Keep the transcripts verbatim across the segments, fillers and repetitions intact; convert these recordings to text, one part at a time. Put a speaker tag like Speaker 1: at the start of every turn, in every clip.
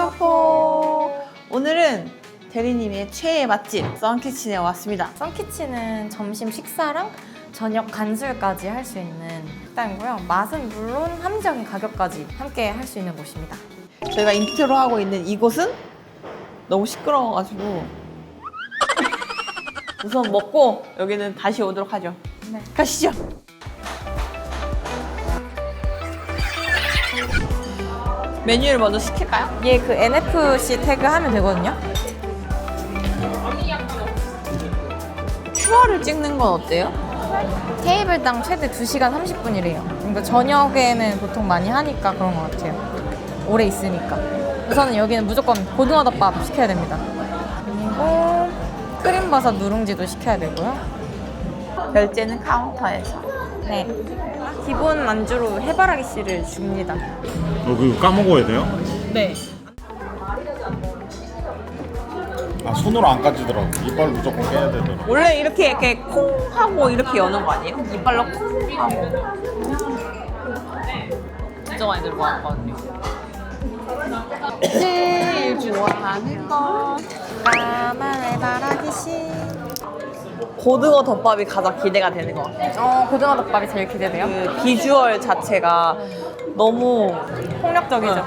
Speaker 1: 마포. 오늘은 대리님의 최애 맛집 썬키친에 왔습니다.
Speaker 2: 썬키친은 점심 식사랑 저녁 간술까지 할 수 있는 식당이고요. 맛은 물론 합리적인 가격까지 함께 할 수 있는 곳입니다.
Speaker 1: 저희가 인트로 하고 있는 이곳은 너무 시끄러워가지고 우선 먹고 여기는 다시 오도록 하죠.
Speaker 2: 네.
Speaker 1: 가시죠. 메뉴를 먼저 시킬까요?
Speaker 2: 얘 그 엔에프씨 태그 하면 되거든요.
Speaker 1: 큐알을 찍는 건 어때요?
Speaker 2: 테이블당 최대 두 시간 삼십 분이래요. 그러니까 저녁에는 보통 많이 하니까 그런 것 같아요. 오래 있으니까. 우선은 여기는 무조건 고등어덮밥 시켜야 됩니다. 그리고 크림버섯 누룽지도 시켜야 되고요.
Speaker 1: 결제는 카운터에서.
Speaker 2: 네. 기본 안주로 해바라기 씨를 줍니다.
Speaker 3: 어, 그거 까먹어야 돼요?
Speaker 1: 네.
Speaker 3: 아, 손으로 안 까지더라고. 이빨 무조건 깨야 되더라고.
Speaker 1: 원래 이렇게 이렇게 콩 하고 이렇게 여는 거 아니에요? 이빨로 콩 하고. 진짜 많이 들고 왔거든요. 제일 좋아하는 건
Speaker 2: 까만 해바라기 씨.
Speaker 1: 고등어 덮밥이 가장 기대가 되는 것 같아요.
Speaker 2: 어, 고등어덮밥이 제일 기대돼요.
Speaker 1: 그 비주얼 자체가 너무
Speaker 2: 폭력적이죠.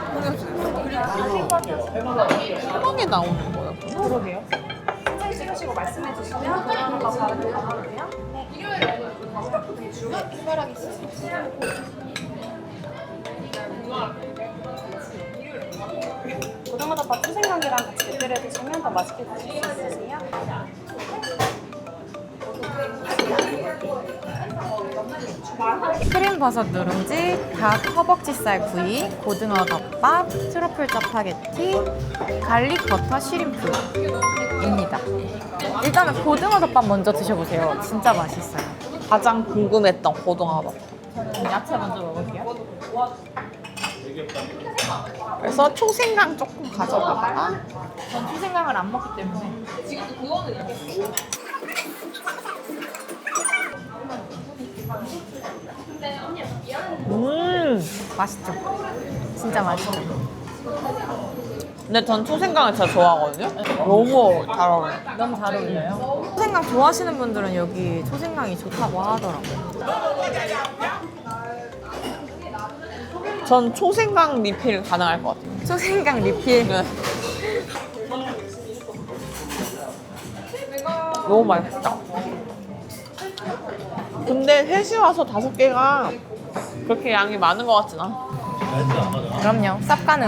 Speaker 1: 편하게 나오는 거예요.
Speaker 2: 그러게요.
Speaker 4: 찍으시고 말씀해 주시면 고등어덮밥 바로 들어가거든요. 네. 해바라기 씨. 고등어덮밥 초생강이랑 같이 곁들여 드시면 더 맛있게 드실 수 있으세요.
Speaker 2: 크림버섯 누룽지, 닭 허벅지살 구이, 고등어덮밥, 트러플 짜파게티, 갈릭 버터 시림프입니다. 일단은 고등어덮밥 먼저 드셔보세요. 진짜 맛있어요.
Speaker 1: 가장 궁금했던 고등어 덮밥.
Speaker 2: 야채 먼저 먹을게요.
Speaker 1: 그래서 초생강 조금 가져가다가
Speaker 2: 전 초생강을 안 먹기 때문에.
Speaker 1: 음.
Speaker 2: 맛있죠? 진짜 맛있죠?
Speaker 1: 근데 전 초생강을 진짜 좋아하거든요. 너무 잘 어울려요.
Speaker 2: 너무 잘 어울려요. 초생강 좋아하시는 분들은 여기 초생강이 좋다고 하더라고요.
Speaker 1: 전 초생강 리필 가능할 것 같아요.
Speaker 2: 초생강 리필.
Speaker 1: 네. 너무 맛있다. 근데 셋이 와서 다섯 개가 그렇게 양이 많은 것 같진 않아.
Speaker 2: 그럼요. 쌉 가능.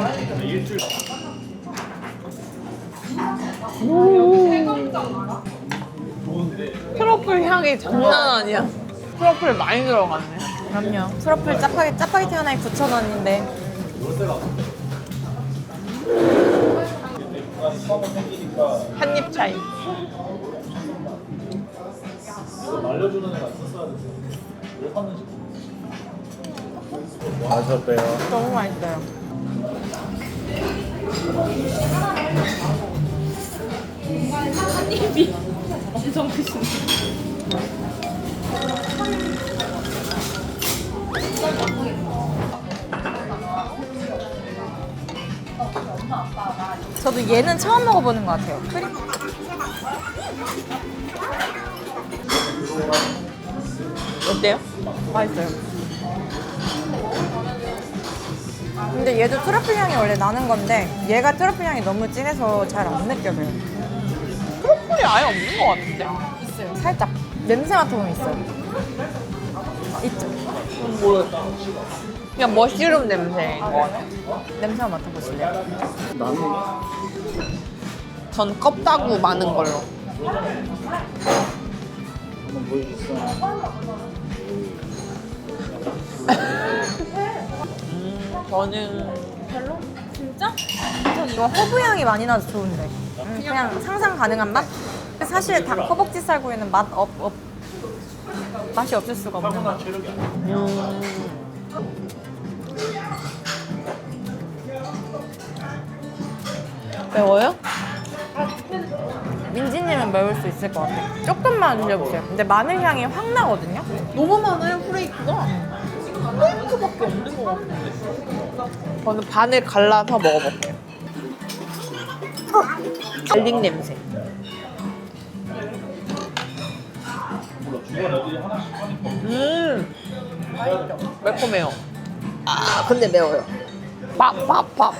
Speaker 1: 트러플 향이 장난 아니야. 트러플 많이 들어갔네.
Speaker 2: 그럼요. 트러플 짜파게, 짜파게티 하나에 구천 원인데.
Speaker 1: 한 입 차이.
Speaker 3: 맛이 어때요?
Speaker 2: 너무 맛있어요.
Speaker 1: 엄청 크시네.
Speaker 2: 저도 얘는 처음 먹어보는 것 같아요. 크림.
Speaker 1: 어때요?
Speaker 2: 맛있어요. 근데 얘도 트러플 향이 원래 나는 건데 얘가 트러플 향이 너무 진해서 잘 안 느껴져요.
Speaker 1: 트러플이 아예 없는 것 같은데?
Speaker 2: 있어요. 살짝 냄새 맡아보면 있어요. 있죠.
Speaker 1: 음, 모르겠다. 그냥 머쉬룸 냄새인 것 같아.
Speaker 2: 냄새 맡아보실래요?
Speaker 1: 전 껍다구 많은 걸로.
Speaker 3: 한번 보여주세요.
Speaker 1: 음, 저는 별로?
Speaker 2: 진짜? 전 이거 허브 향이 많이 나서 좋은데. 음, 그냥 상상 가능한 맛? 사실 닭 허벅지 쌀구이는 맛 없, 없, 맛이 없을 수가 없는 맛.
Speaker 1: 음. 매워요?
Speaker 2: 민지님은 매울 수 있을 것 같아요. 조금만 드셔보세요. 근데 마늘 향이 확 나거든요.
Speaker 1: 너무 많아요, 프레이크가. 프레이크밖에 없는 것 같은데. 저는 반을 갈라서 먹어볼게요. 갈릭 냄새. 음, 매콤해요. 아, 근데 매워요. 밥, 밥, 밥.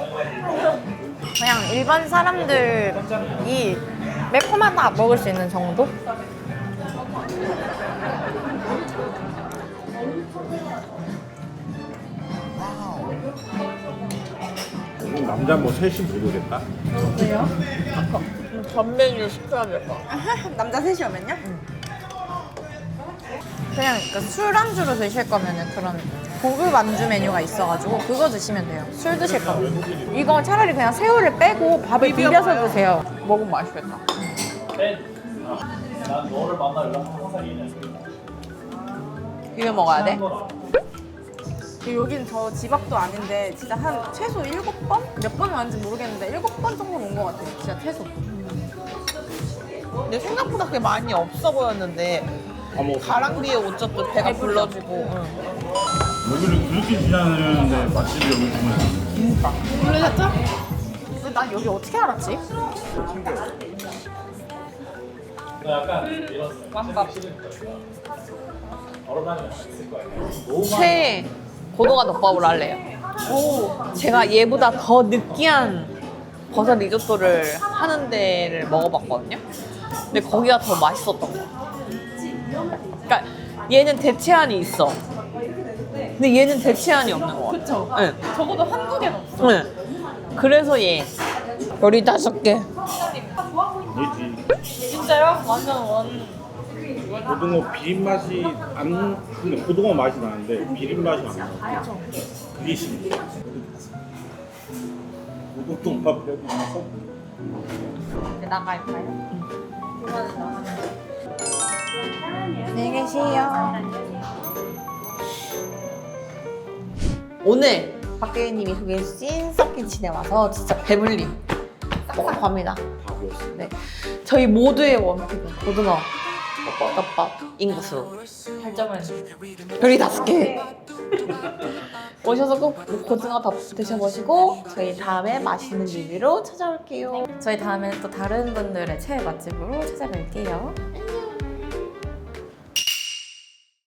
Speaker 2: 그냥 일반 사람들이 매콤하다 먹을 수 있는 정도?
Speaker 3: 그럼 남자 뭐 셋이 못 오겠다.
Speaker 1: 전 메뉴 시켜야 될 것 같아.
Speaker 4: 남자 셋이 오면요?
Speaker 2: 그냥 그러니까 술 안주로 드실 거면은 그런 고급 안주 메뉴가 있어가지고 그거 드시면 돼요. 술 드실 거면. 이거 차라리 그냥 새우를 빼고 밥을 비벼서 드세요.
Speaker 1: 먹으면 맛있겠다. 비벼 먹어야 돼?
Speaker 4: 여긴 저 집 앞도 아닌데 진짜 한 최소 일곱 번? 몇 번을 왔는지 모르겠는데 일곱 번 정도 온 것 같아요. 진짜 최소.
Speaker 1: 근데 생각보다 그게 많이 없어 보였는데
Speaker 3: 아, 뭐
Speaker 1: 가랑비에 옷젖도 배가 불러지고. 응.
Speaker 3: 여기를 그렇게 지나다녔는데 맛집이 여기 주문했어.
Speaker 4: 놀라셨죠? 근데 난 여기 어떻게 알았지?
Speaker 1: 최애 고등어 덮밥으로 할래요. 제가 얘보다 더 느끼한 버섯 리조또를 하는 데를 먹어봤거든요. 근데 거기가 더 맛있었던 거. 그러니까 얘는 대체안이 있어. 근데 얘는 대체안이 없는 거 같아.
Speaker 4: 그쵸?
Speaker 1: 응.
Speaker 4: 적어도 한국엔 없어.
Speaker 1: 응. 그래서 얘 열다섯 개.
Speaker 3: 그렇지.
Speaker 4: 진짜요? 완전 원.
Speaker 3: 고등어 비린 맛이 안 근데 고등어 맛이 나는데 비린 맛이 안 나. 그게 신기해. 고등어밥이라도 나서
Speaker 2: 이제 나갈까요? 안녕히 계세요.
Speaker 1: 오늘 박대리님이 소개해주신 썩킨친에 와서 진짜 배불림 먹어갑니다.
Speaker 3: 밥이었어.
Speaker 1: 네, 저희 모두의 원픽은 고등어 덮밥 인구수 팔 점을 별이 다섯 개. 오셔서 꼭 고등어 덮 드셔보시고 저희 다음에 맛있는 리뷰로 찾아올게요.
Speaker 2: 저희 다음에는 또 다른 분들의 최애 맛집으로 찾아뵐게요.